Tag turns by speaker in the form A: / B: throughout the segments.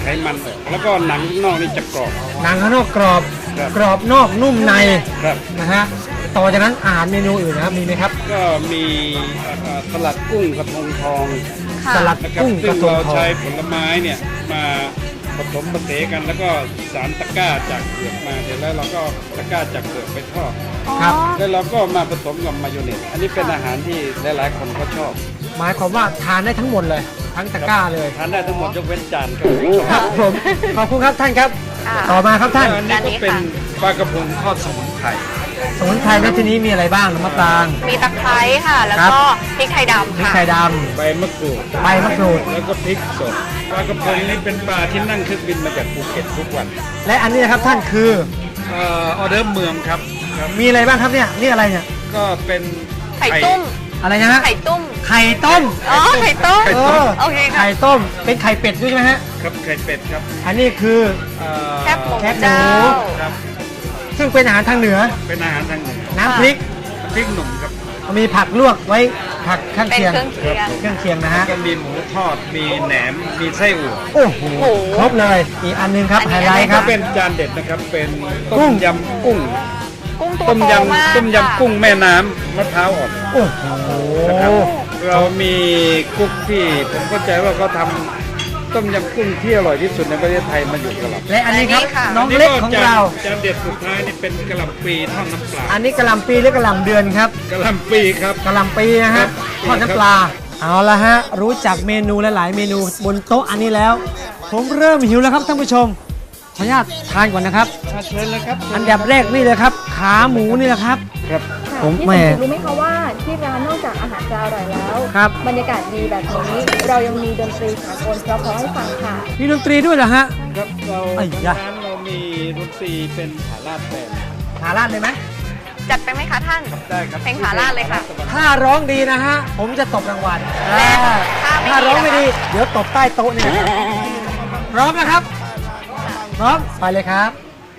A: มันออกแล้วก็หนังข้างนอกนี่จะกรอบ
B: หนังข้างนอกกรอบ
A: ครับ
B: กรอบนอกนุ่มใน
A: ครับ
B: นะฮะต่อจากนั้นอาหารเมนูอื่นนะครับมีไหมครับ
A: ก็มีสลัดกุ้งกระทงทอง
C: ค่ะ
B: สลัด
A: นะครับ
B: กุ้งก
A: ซึ่
B: ระ
A: ง
B: ทง
A: เรา
B: ทอง
A: ใช้ผลไม้เนี่ยมาผสมผสานกันแล้วก็สารตะกร้าจากเปลือกมาเสร็จแล้วเราก็ตะกร้าจากเปลือกไปทอด
B: ครับ
A: แล้วเราก็มาผสมกับมายองเนสอันนี้เป็นอาหารที่หลายๆคนก็ชอบ
B: หมายความว่าทานได้ทั้งหมดเลย ทั้งตะกร้าเลย
A: ทานได้ทั้งหมดยกเว้นจานครับ
B: ครับผมขอบคุณครับท่านครับ
C: ค่ะ
B: ต่อมาครับท่าน
A: อันนี้ก็เป็นปลากระพงทอดสมุนไพร
B: สมุนไพรในที่นี้มีอะไรบ้างน้ำมะปราง
C: มีตะไคร้ค่ะ แล้วก็พริกไทยดำ
B: พริก
C: ค่ะ
B: ไทยด
A: ใบมะกรูด
B: ำใบมะกรูด
A: แล้วก็พริกสดปลากระพงนี่เป็นปลาที่นั่งเครื่องบินมาจากภูเก็ตทุกวัน
B: และอันนี้นะครับท่านคือ
A: ออเดอร์เมืองครับครับ
B: มีอะไรบ้างครับเนี่ยนี่อะไรเนี่ย
A: ก็เป็น
C: ไข่ตุ้ม
B: อะไรนะฮะ
C: ไข่ตุ้ม
B: ไข่ต้ม
C: อ๋อ ไข่ต้ม
A: ไข่
B: เอ
A: ต้ม
B: อ
C: โอเคค่ะ
B: ไข่ต้มเป็นไข่เป็ดด้วยใช่ไหมฮะ
A: ครับไข่เป็ดครับ
B: อันนี้คือ
C: แคบหมู
B: แคบหมู
C: เจ้า
A: ครับ
B: ซึ่งเป็นอาหารทางเหนือ
A: เป็นอาหารทางเหนือ
B: น้ำพริก
A: พริกหนุ่มครับ
B: มีผักลวกไว้ผักข้าง
C: เป็น
B: เคียง
C: เครื่องเคียง
B: เครื่องเคียงนะฮะ
A: ก็มีหมูทอดมีแหนมมีไส้อั่ว
B: โอ้โห
C: โอ้โห
B: ครบเลยอีกอันหนึงครับ
C: อัน
B: ไฮ
C: นี้
B: ไลท์ค
A: ก็
B: รับ
A: เป็นจานเด็ดนะครับเป็น
B: กุ้
A: ต้
B: ง
A: มยำกุ้ง
C: กุ้งตัว
A: ต้ม
C: โตมาก
A: ยำต้มยำกุ้งแม่น้ำมะพร้าวอ่อน
B: โอ้โห
A: นะครับเรามีกุ๊กที่ผมเข้าใจว่าเขาทำต้มยำกุ้งที่อร่อยที่สุดในประเทศไทยมาอยู่กับเรา
B: และอันนี้ครับ
C: อันนี้ค่ะ
B: น้องเล็กของเรา
A: จานเด็ดสุดท้ายนี่เป็นกะหล่ำปลีทอดน้ำปลา
B: อันนี้กะหล่ำปีหรือกะหล่ำเดือนครับ
A: กะหล่ำปลีครับ
B: กะหล่ำปีนะ
A: ครั
B: ฮะ
A: บ
B: ทอดน้ำปลาเอาละฮะรู้จักเมนูหลายๆเมนูบนโต๊ะอันนี้แล้ว ผมเริ่มหิวแล้วครับท่านผู้ชมขออนุญาตทานก่อนนะครับ
A: เชิญเลยครับ
B: อันดับแรกนี่เลยครับ ขาหมูนี่แหละครับ
A: ครับ
B: ผม
D: พี่
B: แห
D: ส
B: ม่
D: มจิตรู้ไหมคะว่าที่ร้านนอกจากอาหารจะอร่อยแล้ว
B: ครับ
D: บรรยากาศดีแบบนี้เรายังมีดนตรีสากลเพราะๆให้ฟังค่ะ
B: มีดนตรีด้วยเหรอฮะ
A: ครับเรา
B: ไอ้ยะ
A: ร้านเรามีดนตรีเป็นผาลาดแบนด์
B: หาร้านเลยไหม
C: จัดไปไหมคะท่าน
A: ได้ครับ
C: เพลงผาลาดเลยค่ะ
B: ถ้าร้องดีนะฮะ ผมจะตบรางวัล
C: และ
B: อ่า
C: ถ้าไม่ดี
B: ถ้าร้องไม่ดี
C: นะคะ
B: เดี๋ยวตบใต้โต๊ะนี่นะครับพร้อมนะครับ พร้อม ไปเลยครับ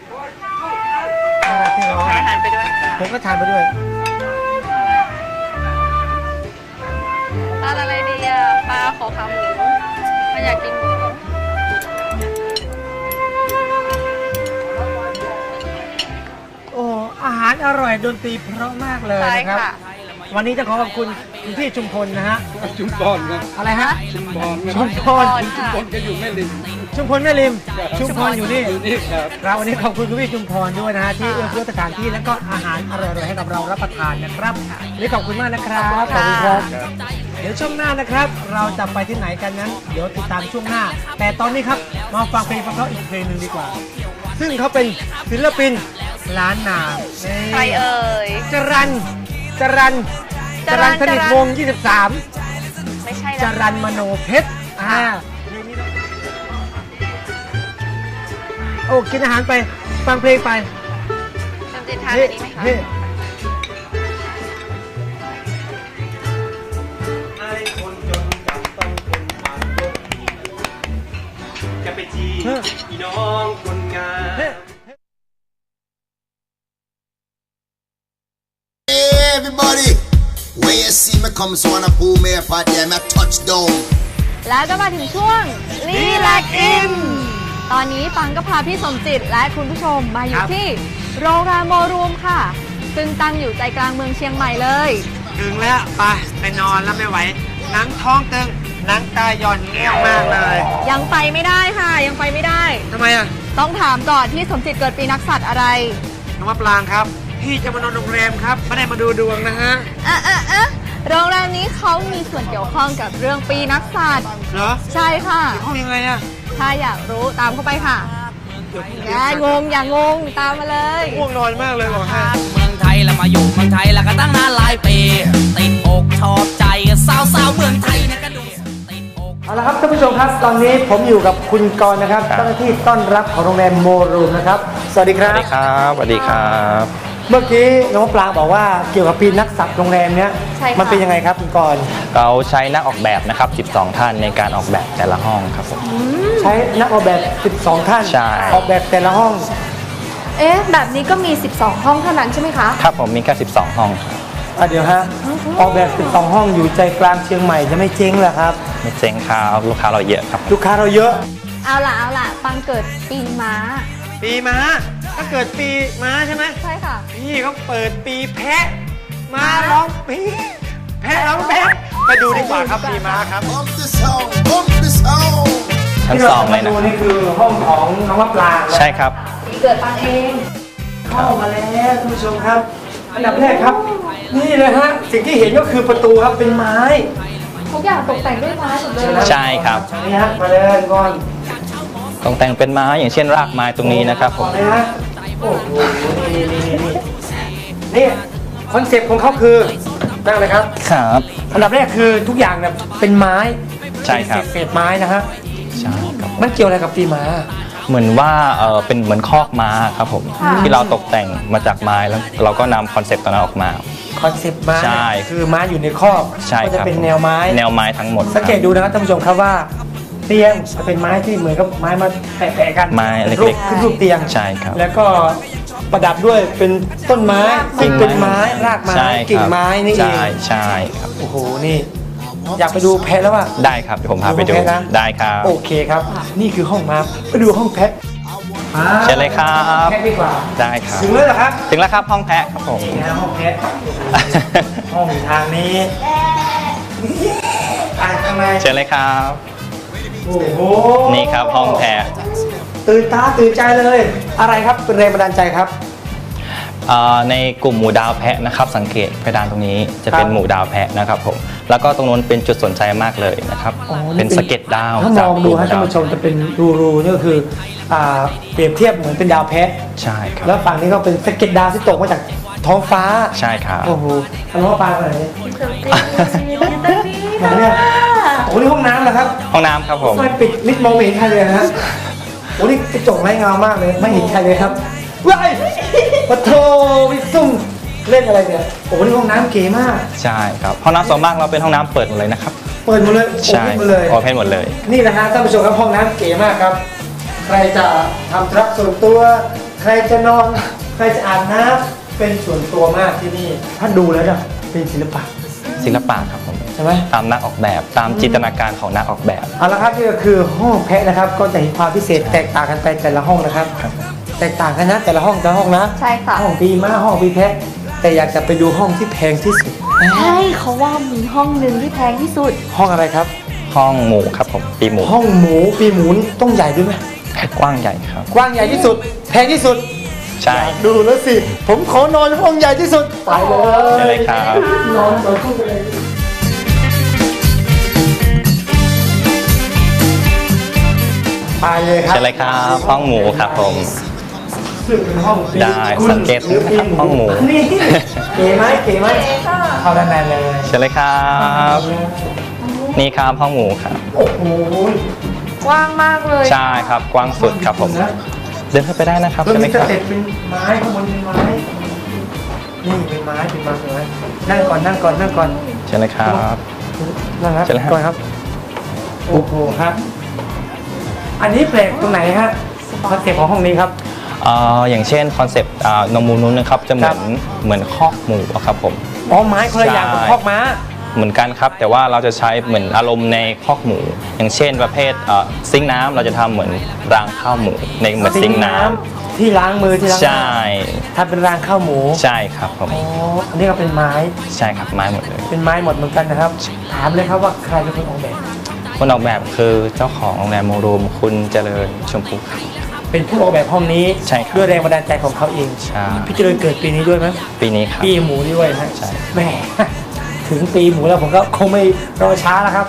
B: พี่น้อง
C: อาหารไปด้วยค่ะ
B: ผมก็ทานไปด้วย
C: ทานอะไรดีอ่ะปลาขอขาหมูไม่อยากกินหมู
B: โอ้อาหารอร่อยดนตรีเพราะมากเลย
C: ใช่
B: นะครับ
C: ค่ะ
B: วันนี้จะขอขอบคุณคุณพี่ชุมพลนะฮะ
A: ชุมพรครับ
B: อะไรฮะ
A: ชุมพร
B: ชุมพร
A: ชุมพรก็อยู่แม่ริม
B: ชุมพลแม่ริม ชุมพรอยู่นี่
A: อยู่นี่ครับ
B: ครับวันนี้ขอบคุณคุณพี่ชุมพรด้วยนะฮะที่เอื้อเฟื้อสถานที่และก็อาหารอร่อยๆให้กับเรารับประทานนะครับวันนี้ขอบคุณมากนะครับ ขอบคุณครับ เดี๋ยวช่วงหน้านะครับ เราจะไปที่ไหนกันนั้น เดี๋ยวติดตามช่วงหน้า แต่ตอนนี้ครับมาฟังเพลงเพราะๆอีกเพลงหนึ่งดีกว่า ซึ่งเขาเป็นศิลปินล้านนานี่
C: ใครเอ่ย
B: จรันสนิทวงศ์
C: ไม่ใช่
B: 23 จ
C: นะ
B: รันมโนเพชรโอ้กินอาหารไปฟังเพลงไป
C: จำจิตทานอันนี้ไหมคะ
B: เฮ้
E: จะไปจีอีน้องคนงาม
B: เฮ้
F: Everybody, when you see me come, so wanna pull me up out there, me touchdown.
C: แล้วก็มาถึงช่วงรีแลกอินตอนนี้ฟังก็พาพี่สมจิตและคุณผู้ชมมาอยู่ที่โรงแรมโมรูมค่ะ ซึ่งตั้งอยู่ใจกลางเมืองเชียงใหม่เลย
B: ถึงแล้วไปนอนแล้วไม่ไหวหนังท้องตึงหนังตาหย่อนแง่วมากเลย
C: ยังไปไม่ได้ค่ะยังไปไม่ได้
B: ทำไมอ่ะ
C: ต้องถามก่อนที่สมจิตเกิดปีนักสัตว์อะไร
B: น้องมะปรางครับ พี่จะมานอนโรงแรมครับไม่ได้มาดูดวงนะฮะ
C: โรงแรมนี้เขามีส่วนเกี่ยวข้องกับเรื่องปีนักสัตว์
B: เหรอ
C: ใช่ค่ะ
B: ห้องยังไงอ่ะ
C: ถ้าอยากรู้ตามเข้าไปค่ะอย่างงตามมาเลย
B: ง่วงนอนมากเลยบอกฮะ
G: เมืองไทยแล้วมาอยู่เมืองไทยแล้วก็ตั้งนานหลายปีติดอกชอบใจสาวๆเมืองไทยนะก็ดูติดอก
B: เอาละครับท่านผู้ชมครับตอนนี้ผมอยู่กับคุณกรณ์นะครับเจ้าหน้าที่ต้อนรับของโรงแรมโมรูมนะครับสวัสดีครับ
H: สวัสดีครับสวัสดีครับ
B: เมื่อกี้น้องมะปรางบอกว่าเกี่ยวกับปีนักสัตว์โรงแรมเนี้ย
C: ใช่ค่ะ
B: มันเป็นยังไงครับคุณกรณ์
H: เราใช้นักออกแบบนะครับ 12 ท่านในการออกแบบแต่ละห้องครับผม
B: ใช้นักออกแบบ 12 ท่าน
H: ใช่
B: ออกแบบแต่ละห้อง
D: เอ๊ะ แบบนี้ก็มี 12 ห้องเท่านั้นใช่ไหมคะ
H: ครับผมมีแค่ 12 ห้องครับ
B: เดี๋ยวฮะออกแบบ 12 ห้องอยู่ใจกลางเชียงใหม่จะไม่เจ๊งเหรอครับ
H: ไม่เจ๊งครับลูกค้าเราเยอะครับ
B: ลูกค้าเราเยอะ
C: เอาล่ะปังเกิดปีม้า
B: ปีม้าก็เกิดปีม้าใช่ไหม
C: ใช่ค่ะ
B: นี่เขาเปิดปีแพะม้าร้องปีแพะร้องแพะไปดูดีกว่าครับปีม้าครับ
F: Bump the sound, bump the sound.
H: ชั้น
B: ที่
H: ส
B: เรา
H: อง
B: จะ
H: เล
B: มาย ดู
H: นะ
B: นี่คือห้องของน้องมะปราง
H: ใช่ครับ
C: ปีเกิดปังเอง
B: เข้ามาแล้วท่านผู้ชมครับ อันดับแรกครับ นี่เลยฮะสิ่งที่เห็นก็คือประตูครับเป็นไม้
C: ทุกอย่างตกแต่งด้วยไม้หมดเลย
H: ใช่ครับ
B: นี่ฮะมาเลยก่อน
H: ตกแต่งเป็นไม้อย่างเช่นรากไม้ตรงนี้นะครับผม
B: นะฮะโอ้โหนี่คอนเซ็ปต์ของเขาคือนั่งเลยครับ
H: ครับ
B: อันดับแรกคือทุกอย่างเนี่ยเป็นไม้
H: ใช่ครับ
B: เป็นเศษไม้นะฮะ
H: ใช่ครับ
B: มันเกี่ยวอะไรกับปีม้า
H: เหมือนว่าเป็นเหมือนคอกม้าครับผมที่เราตกแต่งมาจากไม้แล้วเราก็นำคอนเซปต์ตรงนั้นออกมา
B: คอนเซ็ปต์ม้า
H: ใช่
B: คือม้าอยู่ในคอก
H: ใช่
B: ก็
H: ค
B: จะ
H: รับ
B: เป็นแนวไม้
H: แนวไม้ทั้งหมด
B: สังเกตดูนะครับท่านผู้ชมครับว่าเตียงจะเป็นไม้ที่เหมือนกับไม้มาแปะๆกัน
H: ไม้เล็กๆ
B: รูปขึ้นรูปเตียง
H: ใช่ครับ
B: แล้วก็ประดับด้วยเป็นต้นไม้ซึ่งเป็นไม้รากไม้
H: ใช่ครับ
B: กิ่งไม้นี่เอง
H: ใช่ครับ
B: โอ้โหนี่ อยากไปดูแพะแล้วว่า
H: ได้ครับเดี๋ยวผมพาไปดู
B: ดูห้องแพะนะ
H: ได้ครับ
B: โอเคครับ นี่คือห้องม้าไปดูห้องแพะ
H: เชิญเลยครับ
B: แพะดีกว่า
H: ได้ครับ
B: ถึงแล้วเหรอครับ
H: ถึงแล้วครับห้องแพะครับผม
B: นี่นะห้องแพะห้องอยู่ทางนี้ข้างใน
H: เชิญเลยครับ
B: โอ้โห
H: นี่ครับห้องแพะ
B: ตื่นตาตื่นใจเลย อะไรครับเป็นแรงบันดาลใจครับ
H: ในกลุ่มหมู่ดาวแพะนะครับ สังเกตเพดานตรงนี้จะเป็น
B: ครับ
H: หมู่ดาวแพะนะครับผมแล้วก็ตรงนู้นเป็นจุดสนใจมากเลยนะครับ
B: อ๋อ
H: เป็นสะเก็ดดาว
B: ถ้ามองดู
H: จ
B: ฮะ
H: ก
B: ท่านผู้ชมจะเป็นรูๆนี่ก็คือเปรียบเทียบเหมือนเป็นดาวแพะ
H: ใช่ครับ
B: แล้วฝั่งนี้ก็เป็นสะเก็ดดาวที่ตกมาจากท้องฟ้า
H: ใช่ครับ
B: โอ้โหทะเลาะปลาอะไรเนี่ยไหนเนี่ยโอ้โหนี่ห้องน้ำนะครับ
H: ห้องน้ำครับผม
B: ไม่ปิดมิดมองไม่เห็นใครเลยนะฮะโอ้นี่กระจกไร้เงามากเลยไม่เห็นใครเลยครับว้ายปะโถวิซุ่มเล่นอะไรเนี่ยโอ้นี่ห้องน้ำเก๋มาก
H: ใช่ครับห้องน้ำส่วนมากเราเป็นห้องน้ำเปิดหมดเลยนะครับ
B: เปิดหมดเลย
H: ใช่
B: โอ้หมดเลย
H: โอเพนหมดเลย
B: นี่นะฮะท่านผู้ชมครับห้องน้ำเก๋มากครับ ใครจะทำธุระส่วนตัว ใครจะนอน ใครจะอาบน้ำเป็นส่วนตัวมากที่นี่ ถ้าดูแล้วเนี่ยเป็นศิลปะ
H: ศิลปะครับผม
B: ใช่ไหม
H: ตามนักออกแบบตามจินตนาการของนักออกแบบ
B: เอาละครับนี่ก็คือห้องแพะนะครับ ก็จะเห็นความพิเศษแตกต่างกันไปแต่ละห้องนะครับ แตกต่างกันนะแต่ละห้องนะ
C: ใช่ค่ะ
B: ห้องปีม้าห้องปีแพะ แต่อยากจะไปดูห้องที่แพงที่สุด
C: ใช่เขาว่ามีห้องหนึ่งที่แพงที่สุด
B: ห้องอะไรครับ
H: ห้องหมูครับผมปีหมู
B: ห้องหมูปีหมูนี่ต้องใหญ่ด้วยไหม
H: กว้างใหญ่ครับ
B: กว้างใหญ่ที่สุด แพงที่สุด
H: ใช่
B: ดูแล้วสิ ผมขอนอนห้องใหญ่ที่สุด ไปเลย
H: ใช่เลยครับ
B: นอนคู่ไปเลยไปเลยครับ
H: ใช่เลยครับห้องหมูครับผม
B: ซึ่งเป็นห้อง
H: ได้สังเกตนะครับห้องหมู
B: นี่เก๋ไหมเก๋ไหมเข้าด้านในเลย
H: ใช่เลยครับ นี่ครับห้องหมูครับ
B: โอ้โห
C: กว้างมากเลย
H: ใช่ครับกว้างสุดครับผม เดินเข้าไปได้นะครับ
B: แล้ว
H: ใช่ไหม
B: มี
H: ค
B: ส
H: รับ
B: เต็ปเป็นไม้ข้างบนเป็นไม้ นี่เป็นไม้เป็นไม้เป็นไม้นั่งก่อนนั่งก่อนนั่งก่อน
H: ใช่เลยครับ
B: นั่งครับ
H: เชิญเลยครับ
B: ก่อนครับ โอ้โหครับ อันนี้แปลกตรงไหนฮะคอนเซ็ปต์ของห้องนี้ครับ
H: อย่างเช่นคอนเซปต์นมมูนู้นนะครับจะเหมือนคอกหมูอะครับผม
B: อ๋อไม้คนละอย่างกับ
H: ใช่
B: คอกม้า
H: เหมือนกันครับ แต่ว่าเราจะใช้เหมือนอารมณ์ในคอกหมู อย่างเช่นประเภทซิงค์น้ำเราจะทำเหมือนรางข้าวหมูในเหมือนซิงค์น้ำ
B: ที่ล้างมือที่ล้าง
H: ใช่
B: ถ้าเป็นรางข้าวหมู
H: ใช่ครับผม
B: อ๋ออันนี้ก็เป็นไม้
H: ใช่ครับไม้หมดเลย
B: เป็นไม้หมดเหมือนกันนะครับ ถามเลยครับว่าใครเป็นคนออกแบบ
H: คนออกแบบคือเจ้าของโรงแรมโมรูมคุณเจริญชมพูครับ
B: เป็นผู้ออกแบบห้องนี้
H: ใช่ครับ
B: ด้วยแรงบันดาลใจของเขาเอง
H: ใช่
B: พี่เจริญเกิดปีนี้ด้วยไหม
H: ปีนี้ครับ
B: ปีหมูด้วยนะ
H: ใช่
B: แหม่ ถึงปีหมูแล้วผมก็คงไม่รอช้าแล้วครับ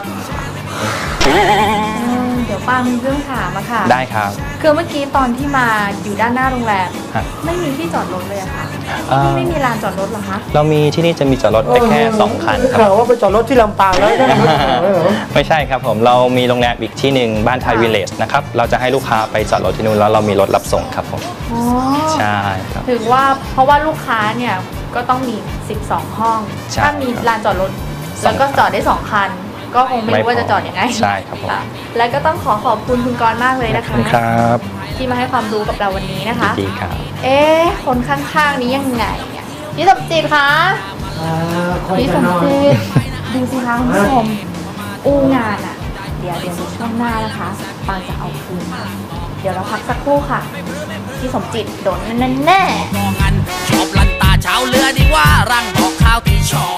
C: เดี๋ยวป้ามีเรื่องถามอะค่ะ
H: ได้ครับ
C: คือเมื่อกี้ตอนที่มาอยู่ด้านหน้าโรงแรม
H: ครับ
C: ไม่มีที่จอดรถเลยอะค่ะ
H: อ่า
C: ที่ไม่มีลานจอดรถเหรอคะ
H: เรามีที่นี่จะมีจอดรถได้แค่ 2 คันค
B: ข่า
H: รับ
B: วว่าไปจอดรถที่ลำปางแล้วได้ไหมเหรอ
H: ไม่ใช่ครับผมเรามีโรงแรมอีกที่หนึ่งบ้านไทยวิลเลจนะครับเราจะให้ลูกค้าไปจอดรถที่นู่นแล้วเรามีรถรับส่งครับผม
C: อ๋อ
H: ใช่ครับ
C: ถือว่าเพราะว่าลูกค้าเนี่ยก็ต้องมี 12 ห้อง
H: ใช่
C: ถ้ามีลานจอดรถแล้วก็จอดได้ 2 คัน ก็คงไม่รู้ว่าจะจอดยังไง
H: ใช่ครับผม
C: ะแล้วก็ต้องขอบคุณคุณกรณ์มากเลยนะ
H: ขอบ
C: คะ
H: คุณครับ
C: ที่มาให้ความรู้กับเราวันนี้นะคะ
H: ดีครับ
C: เอ๊ะคนข้างๆนี้ยังไงเนี่ยพี่สมจิตคะ
B: คน
C: พี่ส
B: จะ
C: ม
B: นอน
C: จิตดูสิคะคุณผู้ชมอูงานอะเดี๋ยวในช่วงหน้านะคะปางจะเอาคืนค่ะเดี๋ยวเราพักสักครู่ค่ะพี่สมจิตโดนแน่
G: มองกันชอบลันตาเช้าเรือดีว่ารังบอกข้าวที่ชอบ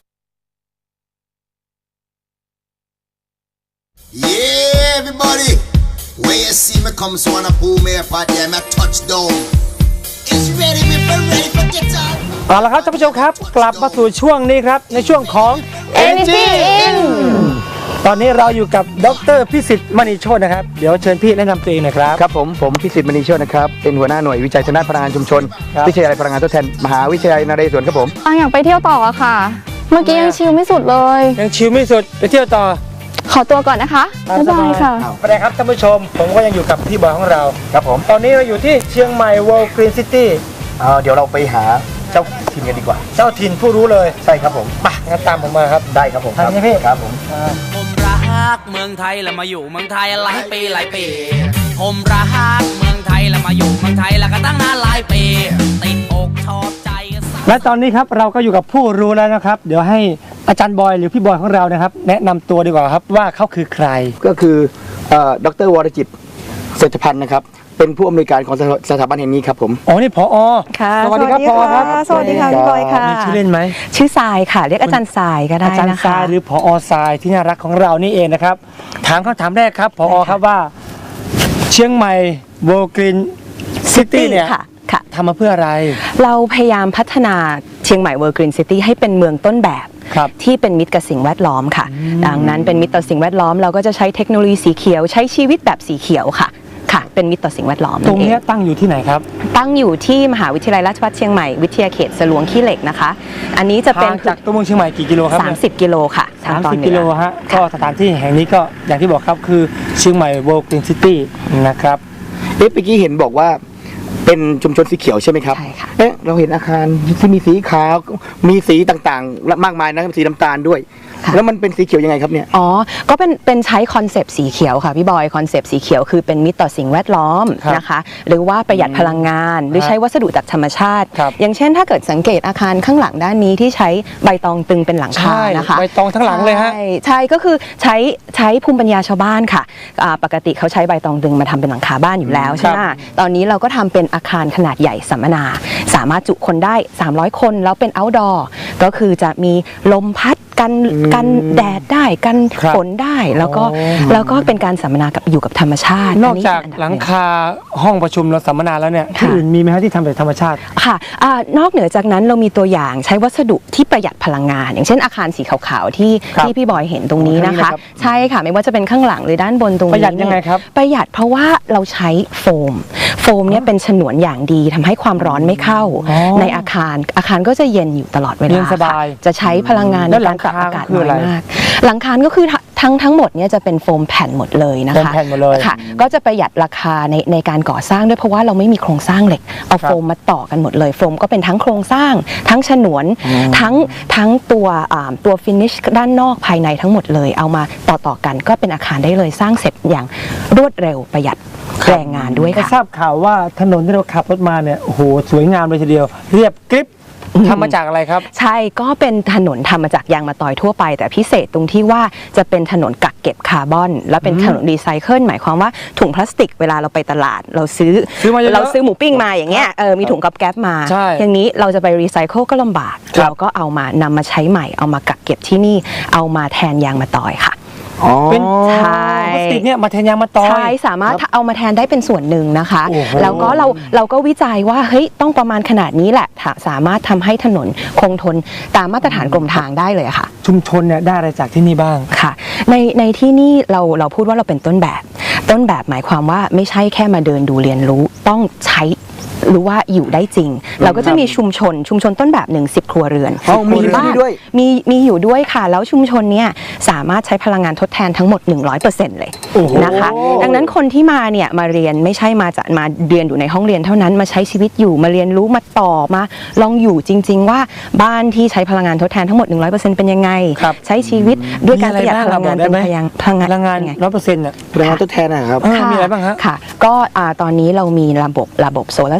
F: Yeah, everybody. When you see me come, so wanna pull me apart, yeah, my touchdown. It's ready, me for get up.
B: เอาละครับท่านผู้ชมครับกลับมาสู่ช่วงนี้ครับในช่วงของ
C: Energy In
B: ตอนนี้เราอยู่กับดร.พิสิทธิ์มณีโชตินะครับเดี๋ยวเชิญพี่แนะนำตัวเองหน่อยครับ
I: ครับผมพิสิทธิ์มณีโชตินะครับเป็นหัวหน้าหน่วยวิจัยชนะพลังงานชุมชน
B: ครับ
I: วิทยาลัยพลังงานทดแทนมหาวิทยาลัยนเรศวรครับผม
C: ปางอยากไปเที่ยวต่ออะค่ะ เมื่อกี้ยังชิลไม่สุดเลย
B: ยังชิลไม่สุดไปเที่ยวต่อ
C: ขอตัวก่อนนะคะบ๊ายบายค่ะ
B: สวัสดีครับท่านผู้ชมผมก็ยังอยู่กับพี่บอยของเรา
I: ครับผม
B: ตอนนี้เราอยู่ที่เชียงใหม่ World Green City
I: เดี๋ยวเราไปหาเจ้าถิ่นกันดีกว่า
B: เจ้าถิ่นผู้รู้เลย
I: ใช่ครับผม
B: ไปงั้นตามผมมาครับ
I: ได้ครับผม
B: ทางนี้พี่
I: ครับผม
G: ผมรักเมืองไทยแล้วมาอยู่เมืองไทยหลายปีผมรักเมืองไทยแล้วมาอยู่เมืองไทยแล้วก็ตั้งนานหลายปีติดอกชอบใจ
B: และตอนนี้ครับเราก็อยู่กับผู้รู้แล้วนะครับ เดี๋ยวให้อาจารย์บอยหรือพี่บอยของเรานะครับแนะนำตัวดีกว่าครับว่าเขาคือใคร
I: ก็คือดร.วรจิตเศรษฐพันธ์นะครับเป็นผู้อำนวยการของสถาบันแห่งนี้ครับผม
B: อ๋อนี่ผอ.
J: ค่ะ
B: สวัสดีครับผอ.ครับ
J: สวัสดีค่ะพี่บอยค่ะ
B: มีชื่อเล่นไหม
J: ชื่อทรายค่ะ เรียกอาจารย์ทรายก็ได้
B: อาจารย์
J: นะคะ
B: ทรายหรือผอ.ทรายที่น่ารักของเรานี่เองนะครับถามคำถามแรกครับผอ.ครับว่าเชียงใหม่ World Green City เนี่ย
J: ค่ะค่ะ
B: ทำมาเพื่ออะไร
J: เราพยายามพัฒนาเชียงใหม่ World Green City ให้เป็นเมืองต้นแบบ
B: ครับ
J: ที่เป็นมิตรกับสิ่งแวดล้อมค่ะ ดังนั้นเป็นมิตรต่อสิ่งแวดล้อมเราก็จะใช้เทคโนโลยีสีเขียวใช้ชีวิตแบบสีเขียวค่ะค่ะ เป็นมิตรต่อสิ่งแวดล้อม
B: ตรง
J: นั่น
B: นี้
J: เอง
B: ตั้งอยู่ที่ไหนครับ
J: ตั้งอยู่ที่มหาวิทยาลัยราชภัฏเชียงใหม่วิทยาเขตสลวงขี้เหล็กนะคะ อันนี้จะเป็น
B: ทางจากตัวเมืองเชียงใหม่กี่กิโลครับเนี่ย
J: 30 กิโลค่ะทางตอนเหนือ
B: 30 กิโลฮะก็สถานที่แห่งนี้ก็อย่างที่บอกครับคือเชียงใหม่ World Green City นะครับ
I: เมื่อกี้เห็นบอกว่าเป็นชุมชนสีเขียวใช่ไหมครับ
J: ใช่ค่ะ
I: เราเห็นอาคารที่มีสีขาวมีสีต่างๆมากมายนะสีน้ำตาลด้วย แล้วมันเป็นสีเขียวยังไงครับเนี่ย
J: อ๋อ ก็เป็นใช้คอนเซปต์สีเขียวค่ะพี่บอยคอนเซปต์สีเขียวคือเป็นมิตรต่อสิ่งแวดล้อม
B: ครับ
J: นะคะหรือว่าประหยัดพลังงาน หรือใช้วัสดุจากธรรมชาติ
B: ครับ
J: อย่างเช่นถ้าเกิดสังเกตอาคารข้างหลังด้านนี้ที่ใช้ใบตองตึงเป็นหลังคา
B: ใช่
J: นะคะ
B: ใบตองทั้งหลังเลยฮะ
J: ใช่ก็คือใช้ภูมิปัญญาชาวบ้านค่ะปกติเขาใช้ใบตองตึงมาทำเป็นหลังคาบ้านอยู่แล้วใช่ไหมตอนนี้เราก็ทำเป็นอาคารขนาดใหญ่สัมมนา สามารถจุคนได้300 คนแล้วเป็น outdoor ก็คือจะมีลมพัดกันแดดได้กัน
B: ครับ
J: ฝนได้แล้วก็เป็นการสัมมนากับอยู่กับธรรมชาติ
B: นอกจาก
J: คื
B: หลังคาห้องประชุมเราสัมมนาแล้วเนี่ยที่
J: ค่ะ
B: อื่นมีไหมฮะที่ทำจากธรรมชาติ
J: ค่ะนอกเหนือจากนั้นเรามีตัวอย่างใช้วัสดุที่ประหยัดพลังงาน อย่างเช่นอาคารสีขาวๆที่
B: ครับ
J: พี่บอยเห็นตรงนี้นะคะ
B: ครับ
J: ใช่ค่ะไม่ว่าจะเป็นข้างหลังหรือด้านบนตรงนี้
B: ประหยัดยังไงครับ
J: ประหยัดเพราะว่าเราใช้โฟมเนี่ยเป็นฉนวนอย่างดีทำให้ความร้อนไม่เข้า
B: อ๋อ
J: ในอาคารก็จะเย็นอยู่ตลอดเวลา
B: เย็นสบาย
J: ค่ะจะใช้พลังงาน
B: แล้
J: ใน
B: วหลั
J: การ
B: ง
J: ปรับ
B: คา
J: อากาศ
B: คือ
J: น้
B: อะไร
J: อยมาก หลังคาก็คือทั้งหมดเนี่ยจะเป็นโฟมแผ่นหมดเลยนะ
B: โฟ
J: คะ
B: มแผ่นหมดเลย
J: ค่ะ ก็จะประหยัดราคาในการก่อสร้างด้วยเพราะว่าเราไม่มีโครงสร้างเหล็กเอา
B: ครับ
J: โฟมมาต่อกันหมดเลยโฟมก็เป็นทั้งโครงสร้าง ทั้งฉนวนทั้งตัวฟินิชด้านนอกภายในทั้งหมดเลยเอามาต่อกันก็เป็นอาคารได้เลยสร้างเสร็จอย่างรวดเร็วประหยัดแรงงานด้วย
B: ก็
J: ค่ะ
B: ทราบข่าวว่าถนนที่เราขับรถมาเนี่ยโอ้โหสวยงามเลยทีเดียว เรียบกริบทำมาจากอะไรครับ
J: ใช่ก็เป็นถนนทำมาจากยางมะตอยทั่วไป แต่พิเศษตรงที่ว่าจะเป็นถนนกักเก็บคาร์บอน และเป็นถนนรีไซเคิลหมายความว่าถุงพลาสติกเวลาเราไปตลาดเราซื้อ
B: มาเยอะๆ
J: เราซื้อหมูปิ้งมาอย่างเงี้ยมีถุงกับแก๊บมา
B: ใช่
J: อย่างนี้เราจะไปรีไซเคิลก็ลำบาก
B: ครับ
J: เราก็เอามานำมาใช้ใหม่เอามากักเก็บที่นี่เอามาแทนยางมะตอยค่ะ
B: เป็น
J: ใช่
B: พลาสติกเนี่ยมาแทนยางมะตอย
J: ใช่สามารถเอามาแทนได้เป็นส่วนหนึ่งนะคะ
B: โอ้โห
J: แล้วก็เราก็วิจัยว่าเฮ้ยต้องประมาณขนาดนี้แหละสามารถทำให้ถนนคงทนตามมาตรฐานกรมทางได้เลยค่ะ
B: ชุมชนเนี่ยได้อะไรจากที่นี่บ้าง
J: ค่ะในที่นี่เราพูดว่าเราเป็นต้นแบบหมายความว่าไม่ใช่แค่มาเดินดูเรียนรู้ต้องใช้รู้ว่าอยู่ได้จริง เราก็จะมีชุมชนต้นแบบ10 ครัวเรือน
I: อ๋อมีอยู่
J: บ้าน
I: ด้วย
J: มีอยู่ด้วยค่ะ แล้วชุมชนเนี่ยสามารถใช้พลังงานทดแทนทั้งหมด 100% เลย
B: โอ้โห
J: นะคะดังนั้นคนที่มาเนี่ยมาเรียนไม่ใช่มาเรียนอยู่ในห้องเรียนเท่านั้นมาใช้ชีวิตอยู่มาเรียนรู้มาต่อมาลองอยู่จริง ๆ ว่าบ้านที่ใช้พลังงานทดแทนทั้งหมด 100% เป็นยังไง
B: ครับ
J: ใช้ชีวิตด้วยการประหยัด
B: มี
J: พ
B: อะไร
J: ลังงาน
B: บ้าง
J: เป็น
B: บอกได้ไหม
J: พลังงาน
B: พลังงาน
J: เป็นไง
B: 100%เนี่ย
I: พลังงานทดแทนนะครับ
B: มีอะไรบ้างฮะ
J: ค่ะก็ตอนนี้เรามีระบบโซลาร์เซ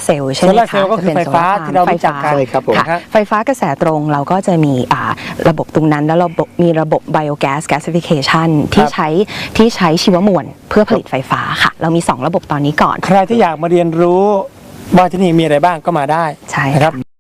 J: เซลล์ใช่ไหม
B: โซลาร์เซลล์ก็คือไฟฟ้าที่เรารู้จักกัน
I: ใช่ครับผม
J: ค่ะไฟฟ้ากระแสตรงเราก็จะมีระบบตรงนั้นแล้วมีระบบ biogas gasification ที่ใช้ชีวมวลเพื่อผลิตไฟฟ้าค่ะเรามี 2 ระบบตอนนี้ก่อน
B: ใครที่อยากมาเรียนรู้ว่าที่นี่มีอะไรบ้างก็มาได้
J: ใช่
B: นะครับ